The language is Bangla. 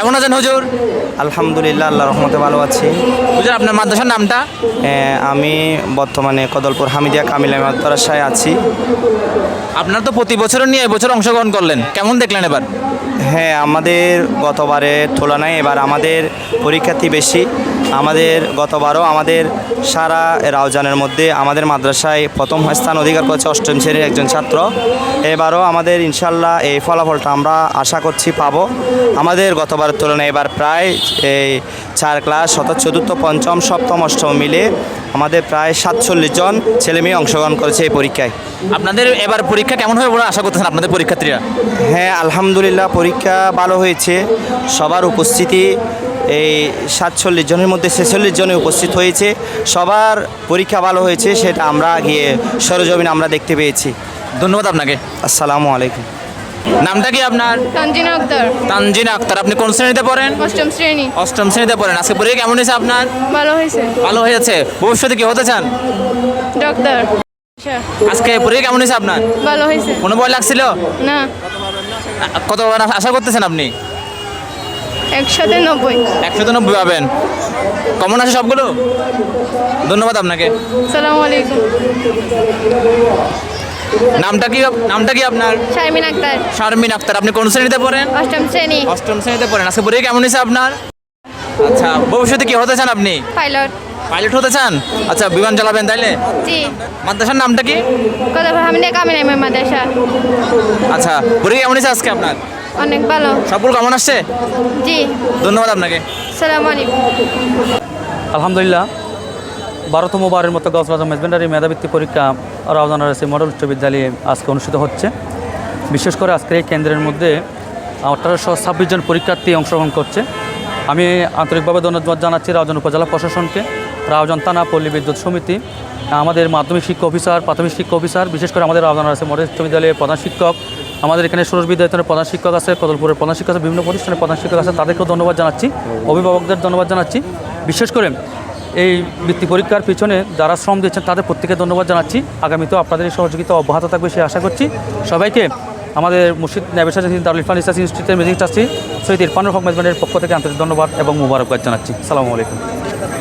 কেমন আছেন হুজুর? আলহামদুলিল্লাহ, আল্লাহ রহমতে ভালো আছি। হুজুর আপনার মাদ্রাসার নামটা? আমি বর্তমানে কদলপুর হামিদিয়া কামিলা মাদ্রাসায় আছি। আপনার তো প্রতি বছর নিয়ে এবছর অংশগ্রহণ করলেন, কেমন দেখলেন এবার? হ্যাঁ, আমাদের গতবারের তুলনায় এবার আমাদের পরীক্ষার্থী বেশি। আমাদের গতবারও আমাদের সারা রাউজানের মধ্যে আমাদের মাদ্রাসায় প্রথম স্থান অধিকার করেছে অষ্টম শ্রেণীর একজন ছাত্র। এবারও আমাদের ইনশাল্লাহ এই ফলাফলটা আমরা আশা করছি পাবো। আমাদের গতবারের তুলনায় এবার প্রায় এই 4 ক্লাস চতুর্থ পঞ্চম সপ্তম অষ্টম মিলে আমাদের প্রায় 47 জন ছেলেমেয়ে অংশগ্রহণ করেছে এই পরীক্ষায়। আপনাদের এবার পরীক্ষা কেমন হবে বলে আশা করতেছেন আপনাদের পরীক্ষার্থীরা? হ্যাঁ, আলহামদুলিল্লাহ পরীক্ষা ভালো হয়েছে। সবার উপস্থিতি এই 47 জনের মধ্যে 46 জনে উপস্থিত হয়েছে। সবার পরীক্ষা ভালো হয়েছে, সেটা আমরা গিয়ে সরজমিনে আমরা দেখতে পেয়েছি। ধন্যবাদ আপনাকে। আসসালামু আলাইকুম। নামটা কি আপনার? তানজিনা আক্তার, তানজিনা আক্তার। আপনি কোন শ্রেণীতে পড়েন? অষ্টম শ্রেণী। অষ্টম শ্রেণীতে পড়েন। আজকে পরীক্ষা কেমন হয়েছে আপনার? ভালো হয়েছে। ভালো হয়েছে। ভবিষ্যতে কি হতে চান? ডাক্তার। আজকে পরীক্ষা কেমন হয়েছে আপনার? ভালো হয়েছে। কোনো ভয় লাগছিল? না, কত আশা করতেছেন আপনি? 190। 190 পাবেন। কমন আছে সবগুলো? ধন্যবাদ আপনাকে। সালামু আলাইকুম। নামটা কি আপনার? শারমিন আক্তার, শারমিন আক্তার। আপনি কোন শ্রেণীতে পড়েন? অষ্টম শ্রেণী। অষ্টম শ্রেণীতে পড়েন। আজকে পরীক্ষা কেমন হয়েছে আপনার? আচ্ছা, ভবিষ্যতে কি হতে চান আপনি? পাইলট। পাইলট হতে চান? আচ্ছা, বিমান চালাবেন তাইলে? জি। মাদ্রাসার নামটা কি? কদলপুর হামিদিয়া কামিলা মাদ্রাসা। আচ্ছা, পরীক্ষা কেমন হয়েছে আজকে আপনার? অনেক ভালো। সবগুলো কেমন আসছে? জি। ধন্যবাদ আপনাকে। সালামু আলাইকুম। আলহামদুলিল্লাহ, 12তম বারের মতো গজবাজ মেজবেন্ডারি মেধাবৃত্তি পরীক্ষা রাউজান আরএসি মডেল উচ্চ বিদ্যালয়ে আজকে অনুষ্ঠিত হচ্ছে। বিশেষ করে আজকের এই কেন্দ্রের মধ্যে 1826 জন পরীক্ষার্থী অংশগ্রহণ করছে। আমি আন্তরিকভাবে ধন্যবাদ জানাচ্ছি রাউজান উপজেলা প্রশাসনকে, রাউজান থানা পল্লী বিদ্যুৎ সমিতি, আমাদের মাধ্যমিক শিক্ষা অফিসার, প্রাথমিক শিক্ষা অফিসার, বিশেষ করে আমাদের রাউজান আরএসি মডেল উচ্চ বিদ্যালয়ের প্রধান শিক্ষক, আমাদের এখানে সুরজ বিদ্যালয়ের প্রধান শিক্ষক আছে, কদলপুরের প্রধান শিক্ষক আছে, বিভিন্ন প্রতিষ্ঠানের প্রধান শিক্ষক আছে, তাদেরকেও ধন্যবাদ জানাচ্ছি, অভিভাবকদের ধন্যবাদ জানাচ্ছি। বিশেষ করে এই বৃত্তি পরীক্ষার পিছনে যারা শ্রম দিচ্ছেন তাদের প্রত্যেকে ধন্যবাদ জানাচ্ছি। আগামীতেও আপনাদের এই সহযোগিতা অব্যাহত থাকবে সে আশা করছি। সবাইকে আমাদের মুর্শিদ নাবিসার দারুল ইরফান রিসার্চ ইনস্টিটিউটের ম্যানেজিং ট্রাস্টি সৈয়দ ইরফানুল হক মেজবানের পক্ষ থেকে আন্তরিক ধন্যবাদ এবং মুবারকবাদ জানাচ্ছি। আসসালামু আলাইকুম।